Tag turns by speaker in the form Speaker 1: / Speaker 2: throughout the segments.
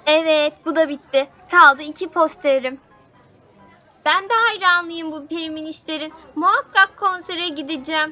Speaker 1: Evet, bu da bitti. Kaldı 2 posterim. Ben de hayranlıyım bu Periminister'in. Muhakkak konsere gideceğim.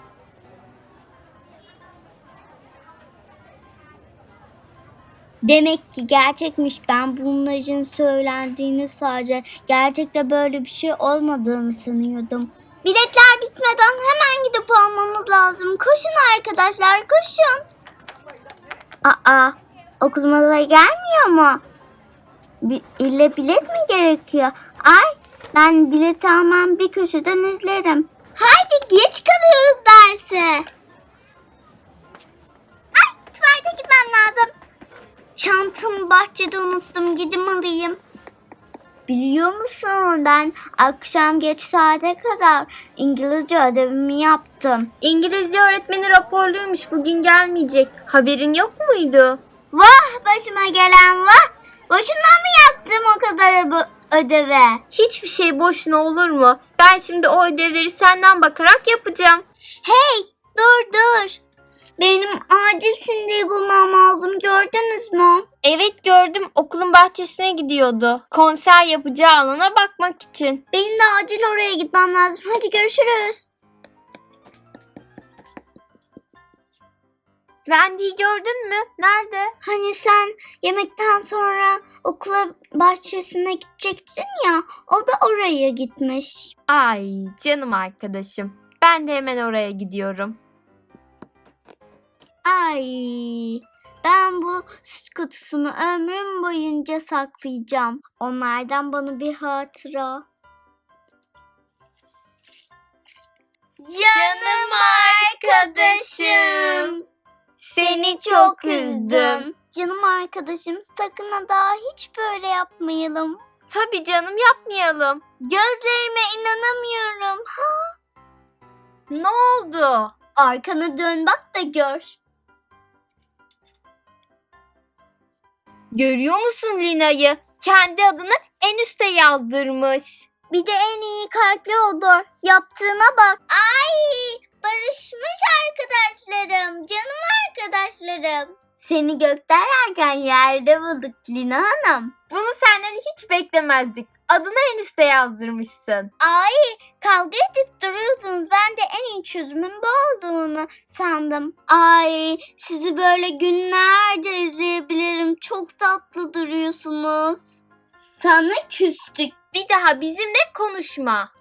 Speaker 2: Demek ki gerçekmiş. Ben bunların söylendiğini sadece gerçekte böyle bir şey olmadığını sanıyordum. Biletler bitmeden hemen gidip almamız lazım. Koşun arkadaşlar, koşun. Aa, okuluma da gelmiyor mu? İlle bilet mi gerekiyor? Ay, ben bilet almam bir köşeden izlerim. Haydi geç kalıyoruz derse. Ay, tuvalete gitmem lazım. Çantamı bahçede unuttum. Gidip alayım. Biliyor musun, ben akşam geç saate kadar İngilizce ödevimi yaptım.
Speaker 1: İngilizce öğretmeni raporluymuş. Bugün gelmeyecek. Haberin yok muydu?
Speaker 2: Vah başıma gelen vah. Boşuna mı yaptım o kadar ödeve?
Speaker 1: Hiçbir şey boşuna olur mu? Ben şimdi o ödevleri senden bakarak yapacağım.
Speaker 2: Hey, dur. Benim acil Cindy'yi bulmam lazım. Gördünüz mü?
Speaker 1: Evet gördüm. Okulun bahçesine gidiyordu. Konser yapacağı alana bakmak için.
Speaker 2: Benim de acil oraya gitmem lazım. Hadi görüşürüz.
Speaker 1: Wendy'yi gördün mü? Nerede?
Speaker 2: Hani sen yemekten sonra okula bahçesine gidecektin ya, o da oraya gitmiş.
Speaker 1: Ay canım arkadaşım. Ben de hemen oraya gidiyorum.
Speaker 2: Ay, ben bu süt kutusunu ömrüm boyunca saklayacağım. Onlardan bana bir hatıra.
Speaker 1: Canım arkadaşım. Seni çok üzdüm.
Speaker 2: Canım arkadaşım, sakın ha daha hiç böyle yapmayalım.
Speaker 1: Tabii canım yapmayalım.
Speaker 2: Gözlerime inanamıyorum.
Speaker 1: Ne oldu?
Speaker 2: Arkana dön bak da gör.
Speaker 1: Görüyor musun Lina'yı? Kendi adını en üste yazdırmış.
Speaker 2: Bir de en iyi kalpli odur. Yaptığına bak. Ay, barışmış arkadaşlarım. Canım arkadaşlarım. Seni gökten erken yerde bulduk Lina Hanım.
Speaker 1: Bunu senden hiç beklemezdik. Adını en üste yazdırmışsın.
Speaker 2: Ay, kavga edip duruyordunuz. Ben de en iyi çözümün bu olduğunu sandım. Ay, sizi böyle günlerce izleyebilirim. Çok tatlı duruyorsunuz. Sana küstük.
Speaker 1: Bir daha bizimle konuşma.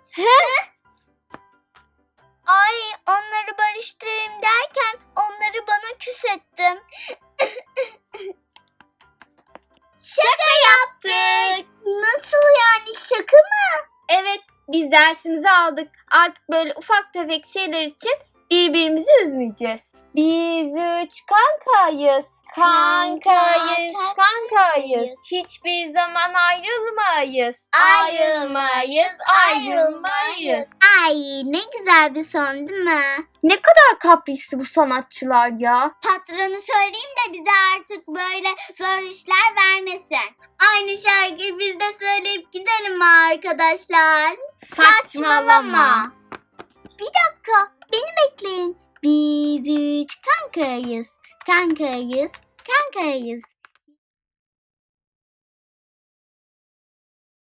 Speaker 2: Ay, onları barıştırayım derken onları bana küs ettim. Şaka yaptık. Nasıl yani, şaka mı?
Speaker 1: Evet, biz dersimizi aldık. Artık böyle ufak tefek şeyler için birbirimizi üzmeyeceğiz. Biz 3 kankayız. Kankayız. Hiçbir zaman ayrılmayız. Ayrılmayız.
Speaker 2: Ay, ne güzel bir son değil mi?
Speaker 1: Ne kadar kaprisli bu sanatçılar ya.
Speaker 2: Patronu söyleyeyim de bize artık böyle zor işler vermesin. Aynı şarkıyı biz de söyleyip gidelim mi arkadaşlar?
Speaker 1: Saçmalama.
Speaker 2: Bir dakika, beni bekleyin. Biz 3 kankayız.